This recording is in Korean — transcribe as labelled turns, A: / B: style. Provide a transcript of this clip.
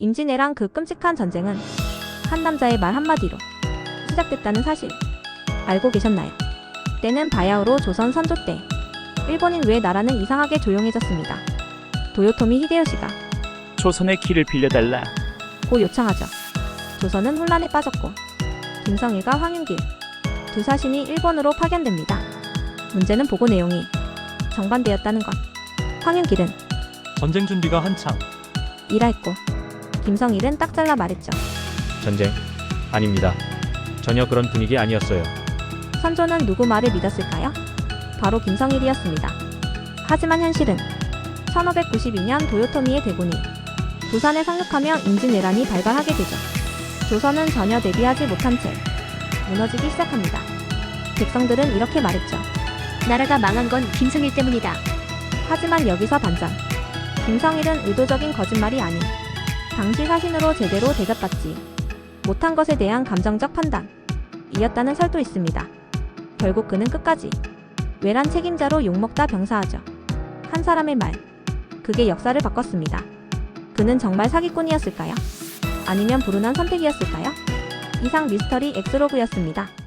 A: 임진왜란 그 끔찍한 전쟁은 한 남자의 말 한마디로 시작됐다는 사실 알고 계셨나요? 때는 바야흐로 조선 선조 때 일본인 외 나라는 이상하게 조용해졌습니다. 도요토미 히데요시가
B: 조선의 길을 빌려달라.
A: 고 요청하죠. 조선은 혼란에 빠졌고 김성일과 황윤길 두 사신이 일본으로 파견됩니다. 문제는 보고 내용이 정반대였다는 것. 황윤길은
C: 전쟁 준비가 한창.
A: 이라 했고 김성일은 딱 잘라 말했죠.
D: 전쟁? 아닙니다. 전혀 그런 분위기 아니었어요.
A: 선조는 누구 말을 믿었을까요? 바로 김성일이었습니다. 하지만 현실은 1592년 도요토미의 대군이 부산에 상륙하며 임진왜란이 발발하게 되죠. 조선은 전혀 대비하지 못한 채 무너지기 시작합니다. 백성들은 이렇게 말했죠.
E: 나라가 망한 건 김성일 때문이다.
A: 하지만 여기서 반전. 김성일은 의도적인 거짓말이 아닌 당시 사신으로 제대로 대접받지 못한 것에 대한 감정적 판단이었다는 설도 있습니다. 결국 그는 끝까지 외란 책임자로 욕먹다 병사하죠. 한 사람의 말, 그게 역사를 바꿨습니다. 그는 정말 사기꾼이었을까요? 아니면 불운한 선택이었을까요? 이상 미스터리 엑스로그였습니다.